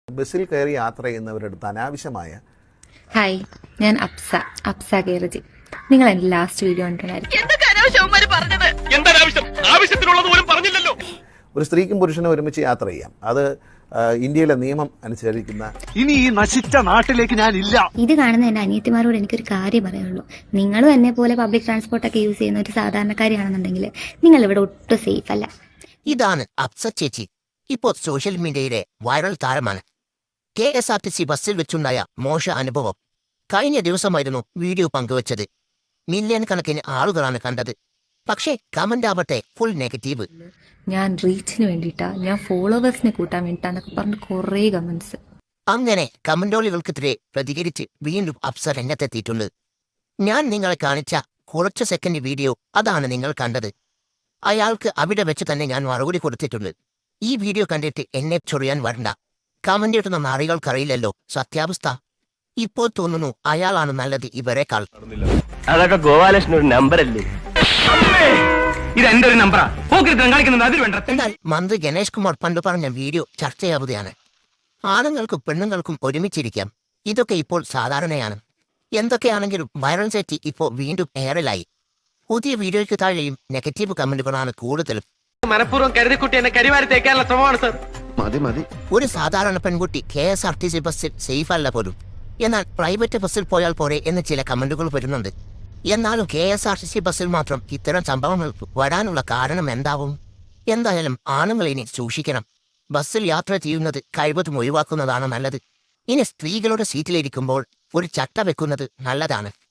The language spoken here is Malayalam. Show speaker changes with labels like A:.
A: ബസ്സിൽ കയറി യാത്ര ചെയ്യുന്നവരെടുത്ത് അനാവശ്യമായ
B: ഹായ്, ഞാൻ അപ്സ കേരജി. നിങ്ങൾ എന്റെ ലാസ്റ്റ് വീഡിയോ കണ്ടിട്ടുണ്ടായിരിക്കും.
A: ഒരു സ്ത്രീക്കും പുരുഷനും ഒരുമിച്ച് യാത്ര ചെയ്യാം. അത് ഇന്ത്യയിലെ നിയമം അനുസരിക്കുന്ന.
C: ഇനി ഈ നശിച്ച നാട്ടിലേക്ക് ഞാൻ ഇല്ല.
B: ഇത് കാണുന്ന എന്റെ അനിയത്തിമാരോട് എനിക്കൊരു കാര്യം പറയാനുള്ളൂ. നിങ്ങളും എന്നെ പോലെ പബ്ലിക് ട്രാൻസ്പോർട്ടൊക്കെ യൂസ് ചെയ്യുന്ന ഒരു സാധാരണക്കാരിയാണെന്നുണ്ടെങ്കിൽ നിങ്ങൾ ഇവിടെ ഒട്ടും സേഫ് അല്ല.
D: ഇതാണ് അപ്സ ചേച്ചി. ഇപ്പോൾ സോഷ്യൽ മീഡിയയിലെ വൈറൽ താരമാണ്. KSRTC ബസ്സിൽ വെച്ചുണ്ടായ മോശ അനുഭവം. കഴിഞ്ഞ ദിവസമായിരുന്നു വീഡിയോ പങ്കുവച്ചത്. മില്യൺ കണക്കിന് ആളുകളാണ് കണ്ടത്. പക്ഷേ കമന്റ് ആവട്ടെ ഫുൾ നെഗറ്റീവ്.
B: ഞാൻ റീച്ചിന് വേണ്ടിയിട്ടാ, ഞാൻ ഫോളോവേഴ്സിനെ കൂട്ടാൻ വേണ്ടിയിട്ടാന്നൊക്കെ പറഞ്ഞ് കുറേ കമന്റ്സ്.
D: അങ്ങനെ കമന്റോളികൾക്കെതിരെ പ്രതികരിച്ച് വീണ്ടും അപ്സ രംഗത്തെത്തിയിട്ടുണ്ട്. ഞാൻ നിങ്ങളെ കാണിച്ച കുറച്ച് സെക്കൻഡ് വീഡിയോ അതാണ് നിങ്ങൾ കണ്ടത്. അയാൾക്ക് അവിടെ വെച്ച് തന്നെ ഞാൻ മറുപടി കൊടുത്തിട്ടുണ്ട്. ഈ വീഡിയോ കണ്ടിട്ട് എന്നെ ചൊറിയാൻ വരണ്ട. കമന്റ് ഇട്ടുന്ന നാറികൾക്കറിയില്ലല്ലോ സത്യാവസ്ഥ. ഇപ്പോൾ തോന്നുന്നു അയാളാണ് നല്ലത് ഇവരെക്കാൾ.
E: അതൊക്കെ ഗോപാലകൃഷ്ണൻ ഒരു നമ്പറല്ലേ? ഇതെന്റെ ഒരു നമ്പറാ.
D: എന്നാൽ മന്ത്രി ഗണേഷ് കുമാർ പണ്ട് പറഞ്ഞ വീഡിയോ ചർച്ചയാവുകയാണ്. ആണുങ്ങൾക്കും പെണ്ണുങ്ങൾക്കും ഒരുമിച്ചിരിക്കാം. ഇതൊക്കെ ഇപ്പോൾ സാധാരണയാണ്. എന്തൊക്കെയാണെങ്കിലും വൈറൽ സെറ്റി ഇപ്പോൾ വീണ്ടും എയറിലായി. പുതിയ വീഡിയോയ്ക്ക് താഴെയും നെഗറ്റീവ് കമന്റുകളാണ് കൂടുതലും.
E: മനഃപൂർവ്വം കരുതിക്കുട്ടി എന്നെ കരിവാരി തേക്കാനുള്ള ശ്രമമാണ് സർ.
C: മതി.
D: ഒരു സാധാരണ പെൺകുട്ടി KSRTC ബസ്സിൽ സേഫ് അല്ല പോലും. എന്നാൽ പ്രൈവറ്റ് ബസ്സിൽ പോയാൽ പോരെ എന്ന് ചില കമന്റുകൾ വരുന്നുണ്ട്. എന്നാലും KSRTC ബസ്സിൽ മാത്രം ഇത്തരം സംഭവങ്ങൾ വരാനുള്ള കാരണം എന്താവും? എന്തായാലും ആണുങ്ങൾ ഇനി സൂക്ഷിക്കണം. ബസ്സിൽ യാത്ര ചെയ്യുന്നത് കഴിവതും ഒഴിവാക്കുന്നതാണ് നല്ലത്. ഇനി സ്ത്രീകളുടെ സീറ്റിലിരിക്കുമ്പോൾ ഒരു ചട്ട വെക്കുന്നത് നല്ലതാണ്.